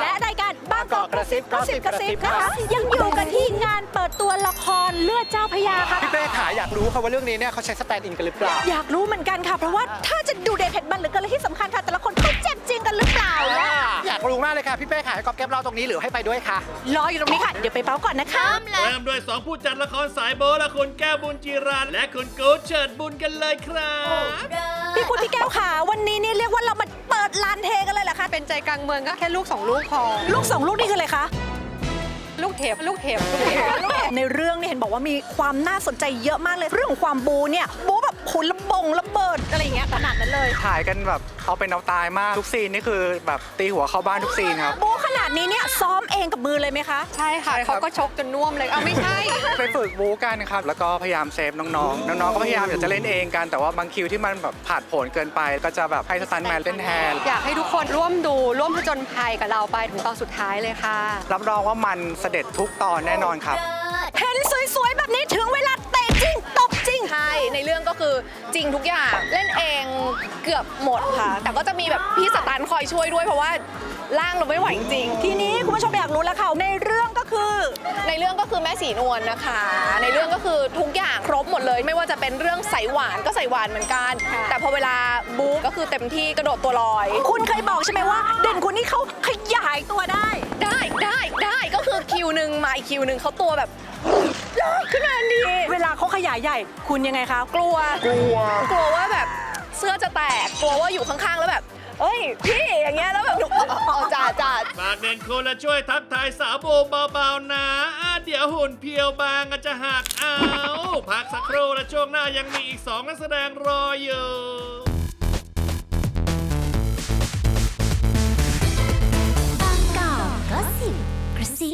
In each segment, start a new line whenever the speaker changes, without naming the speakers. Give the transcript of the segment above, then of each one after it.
และรายการบางกอกกระซิบค่ะยังอยู่กันที่งานเปิดตัวละครเลือดเจ้าพระยาค่ะ
พี่เป้ขาอยากรู้ค่ะว่าเรื่องนี้เนี่ยเขาใช้สแตนด์อินกันหรือเปล่า
อยากรู้เหมือนกันค่ะเพราะว่าถ้าจะดูเด็ดเผ็ดมันหรือกันและที่สำคัญค่ะแต่ละคนเขาเจ็บจริงกันหรือเปล่า
อยากรู้มากเลยค่ะพี่เป้ขาให้ก๊อฟแก๊ปเราตรงนี้หรือให้ไปด้วยค่ะ
รออยู่ตรงนี้ค่ะเดี๋ยวไปเป้าก่อนนะคะ
เริ่มด้วย2ผู้จัดละครสายโบและคุณแก้วบุญจีรันและคุณกู๊ดเฉิดบุญกันเลยครับ
พี่คุณพี่แก้วขาวันนี้เนี่ยเรียกว่าเรามาเปิดลานเทกันเลยเหรอคะ
เป็นใจกลางเมืองก็แค่ลูก2 ลูกพอ
ลูก2ลูกนี่คืออะไรคะ
ลูกเห็บ
ในเรื่องเนี่ยเห็นบอกว่ามีความน่าสนใจเยอะมากเลยเรื่องของความบูเนี่ยบูแบบขุนระเบิดอะไรอย่างเงี้ยขนาดนั้นเลย
ถ่ายกันแบบเอาเป็นเอาตายมากทุกซีนนี่คือแบบตีหัวเข้าบ้านทุกซีนครับ
บูขนาดนี้เนี่ยซ้อมเองกับมือเลยไหมคะ
ใช่ค่ะเขาก็ชกจนน่วมเลยเอาไม่ใช่
ไปฝึกบู๊กันครับแล้วก็พยายามเซฟน้องๆก็พยายามอยากจะเล่นเองกันแต่ว่าบางคิวที่มันแบบผาดโผนเกินไปก็จะแบบให้สตันท์แมนเล่นแทน
อยากให้ทุกคนร่วมผจญภัยกับเราไปถึงตอนสุดท้ายเลยค่ะ
รับรองว่ามันเสด็จทุกตอนแน่นอนครับ
เห็นสวยๆแบบนี้ถึงเวลาเตะจริงตบจริง
ใช่ในเรื่องก็คือจริงทุกอย่างเล่นเองเกือบหมดค่ะแต่ก็จะมีแบบพี่สตันคอยช่วยด้วยเพราะว่าร่างเราไม่ไหวจริง
ทีนี้คุณผู้ชมอยากรู้แล้วค่ะในเรื่องก็คือ
แม่สีนวลนะคะในเรื่องก็คือทุกอย่างครบหมดเลยไม่ว่าจะเป็นเรื่องใสหวานก็ใสหวานเหมือนกันแต่พอเวลาบู๊ก็คือเต็มที่กระโดดตัวลอย
คุณเคยบอกใช่ไหมว่าเด่นคุณนี่เขาขยายตัวได้
ก็คือคิวหนึ่งมาอีกคิวหนึ่งเขาตัวแบบขึ้นมาดี
เวลาเขาขยายใหญ่คุณยังไงคะ
กลัวว่าแบบเสื้อจะแตกกลัวว่าอยู่ข้างๆแล้วแบบเอ้ยพี่อย่างเงี้ยแล้วแบบจ่า
ฝากเด่นคุณและช่วยทักทายสาวโบเบาๆนะเดี๋ยวหุ่นเพียวบางจะหักเอาพักสักครู่และช่วงหน้ายังมีอีก2นักแสดงรออยู่
บางกอกก็สิบกระซิ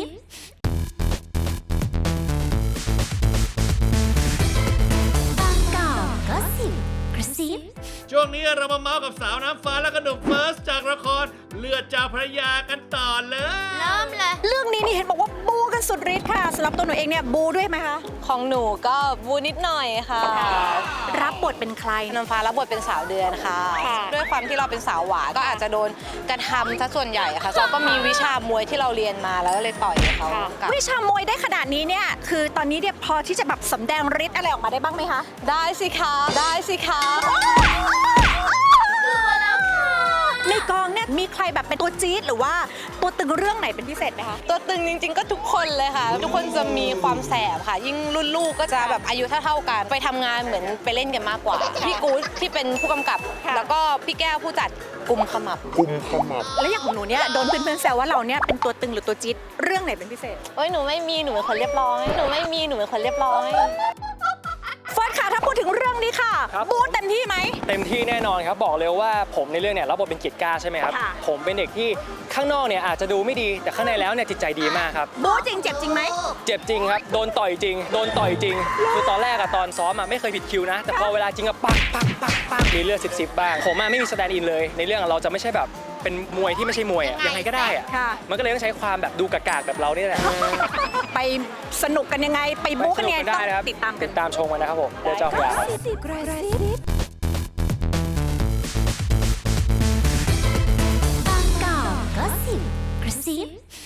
บางกอกก็สิบกระซิบ
ช่วงนี้เรามาเมาส์กับสาวน้ำฟ้าและก็หนุ่มเฟิร์สจากละครเลือดเจ้าพระยากันต่อเลย
เริ่มเลย
เรื่องนี้นี่เห็นบอกว่าบูกันสุดฤทธิ์ค่ะสำหรับตัวหนูเองเนี่ยบูด้วยไหมคะ
ของหนูก็บูนิดหน่อยค่ะ
รับบทเป็นใคร
น้ำฟ้ารับบทเป็นสาวเดือนค่ะด้วยความที่เราเป็นสาวหวานก็อาจจะโดนกระทำซะส่วนใหญ่ค่ะเราก็มีวิชามวยที่เราเรียนมาแล้วก็เลยต่อยเขา
วิชามวยได้ขนาดนี้เนี่ยคือตอนนี้เนี่ยพอที่จะแบบสำแดงฤทธิ์อะไรออกมาได้บ้างไหมคะ
ได้สิคะ
ในกองเนี่ยมีใครแบบเป็นตัวจี๊ดหรือว่าตัวตึงเรื่องไหนเป็นพิเศษไหมคะ
ตัวตึงจริงๆก็ทุกคนเลยค่ะทุกคนจะมีความแสบค่ะยิ่งรุ่นลูกก็จะแบบอายุเท่าๆกันไปทำงานเหมือนไปเล่นกันมากกว่าพี่กู๊ดที่เป็นผู้กำกับแล้วก็พี่แก้วผู้จัดกุมขมับ
แล้วอย่างของหนูเนี่ยโดนเพื่อนๆแซวว่าเราเนี่ยเป็นตัวตึงหรือตัวจี๊ดเรื่องไหนเป็นพิเศษ
หนูไม่มีหนูเป็นคนเรียบร้อย
เฟิร์สค่ะถ้าพูดถึงเรื่องนี้ค่ะบู๊เต็มที่ไหม
เต็มที่แน่นอนครับบอกเลยว่าผมในเรื่องเนี่ยรับบทเป็นกิจกล้าใช่ไหมครับผมเป็นเด็กที่ข้างนอกเนี่ยอาจจะดูไม่ดีแต่ข้างในแล้วเนี่ยจิตใจดีมากครับ
บู๊จริงเจ็บจริงไหม
เจ็บจริงครับโดนต่อยจริงคือตอนแรกอะตอนซ้อมอะไม่เคยผิดคิวนะแต่พอเวลาจริงอะปักมีเลือดซิบบ้างผมอะไม่มีสแตนด์อินเลยในเรื่องเราจะไม่ใช่แบบเป็นมวยที่ไม่ใช่มวยอะยังไงก็ได้อะมันก็เลยต้องใช้ความแบบดูกากๆแบบเรานี่แหละ
ไปสนุกกันยังไงไปบู๊กันยังไงต้องติดตาม
ชมกันนะครับผมเดี๋ยวเจ้าพระยา
บางกอกก็สิบกระซิบ